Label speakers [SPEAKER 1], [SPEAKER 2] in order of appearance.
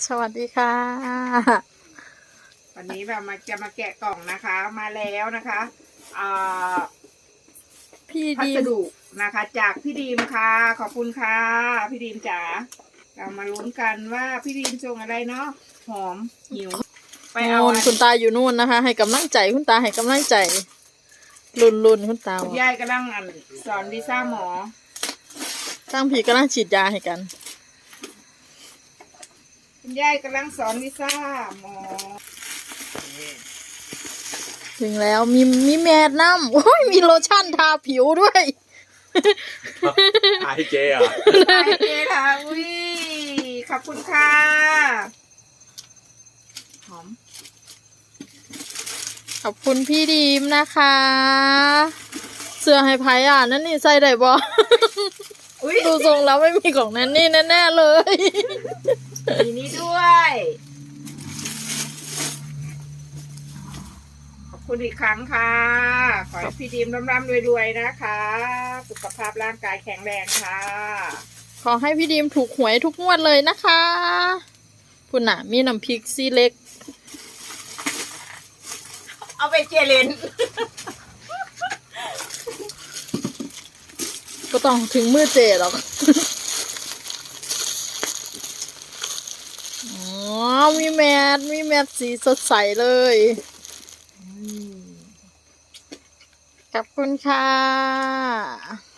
[SPEAKER 1] สวัสดีค่ะ
[SPEAKER 2] วันนี้แบบจะมาแกะกล่องนะคะมาแล้วนะคะ
[SPEAKER 1] พี่
[SPEAKER 2] พั
[SPEAKER 1] ดีม
[SPEAKER 2] สดุนะคะจากพี่ดีมค่ะขอบคุณค่ะพี่ดีมจ๋าเรามาลุ้นกันว่าพี่ดีมส่งอะไรเนาะหอมหิวไปเอา
[SPEAKER 1] นู่นคุณตาอยู่นู่นนะคะ ให้กำลังใจคุณตาให้กำลังใจลุนคุณตา
[SPEAKER 2] คุณยายกำลังสอนวีซ่าหมอ
[SPEAKER 1] ตั้งผีกำลังฉีดยาให้กัน
[SPEAKER 2] คุณยายกำลังสอนวีซ่าหมอ
[SPEAKER 1] ถึงแล้วมีแมสน้ำโอ้ยมีโลชั่นทาผิวด้วย
[SPEAKER 3] ไอเจอ่ะ
[SPEAKER 2] ไอเจค่ะอุ้ยขอบคุณค่ะหอม
[SPEAKER 1] ขอบคุณพี่ดีมนะคะ เสื้อให้ไพ่อ่ะนั่นนี่ใส่ได้บ่
[SPEAKER 2] อุ้ย
[SPEAKER 1] ดูทรงแล้วไม่มีของนั่นนี่แน่ๆเลย
[SPEAKER 2] มีนี้ด้วยขอบคุณอีกครั้งค่ะขอให้พี่ดีมร่ำๆรวยๆนะคะสุขภาพร่างกายแข็งแรงค่ะ
[SPEAKER 1] ขอให้พี่ดีมถูกหวยทุกงวดเลยนะคะคุณน่ะมีน้ำพริกซีเล็ก
[SPEAKER 2] เอาไปเจเลน
[SPEAKER 1] ก็ต้องถึงมือเจหรอก อ๋อ มีแมสสีสดใสเลย ขอบคุณค่ะ